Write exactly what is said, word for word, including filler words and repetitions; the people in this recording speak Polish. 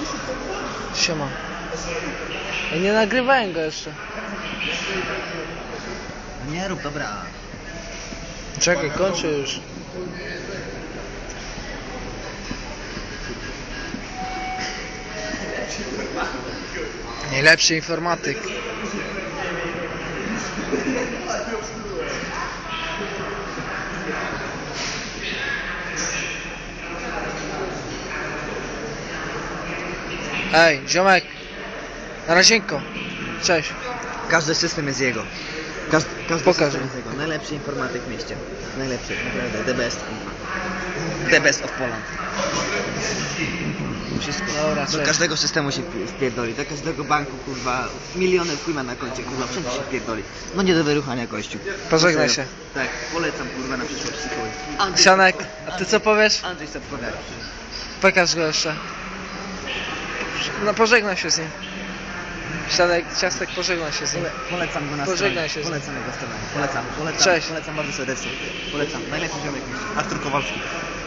Siema. Ja nie nagrywałem go jeszcze. Nie rób, dobra. Czekaj, kończę już. Najlepszy informatyk. Ej, ziomek. Na razienko. Cześć. Każdy system jest jego. Każdy, każdy Pokaż. system jest jego. Najlepszy informatyk w mieście. Najlepszy, naprawdę. The best. The best of Poland. Wszystko. Dobra, Do cześć. każdego systemu się wpierdoli. Do każdego banku, kurwa. Miliony chuj ma na koncie, kurwa. Wszędzie się wpierdoli. No nie do wyruchania kościół. Pożegnaj No się. serio. Tak, polecam, kurwa, na przyszłość psychologię. Andrzej Sianek, Sapkowski. a ty co powiesz? Andrzej Sapkowski. Pokaż go jeszcze. No pożegnaj się z nim. Sianek, ciastek, pożegnaj się z nim. Pole, polecam go na Pożegnaj stronę. się z nim. Polecam jego stronę. Polecam, polecam, Cześć. polecam bardzo serdecznie. Polecam. Najlepszy ziomek w mieście. Artur Kowalski.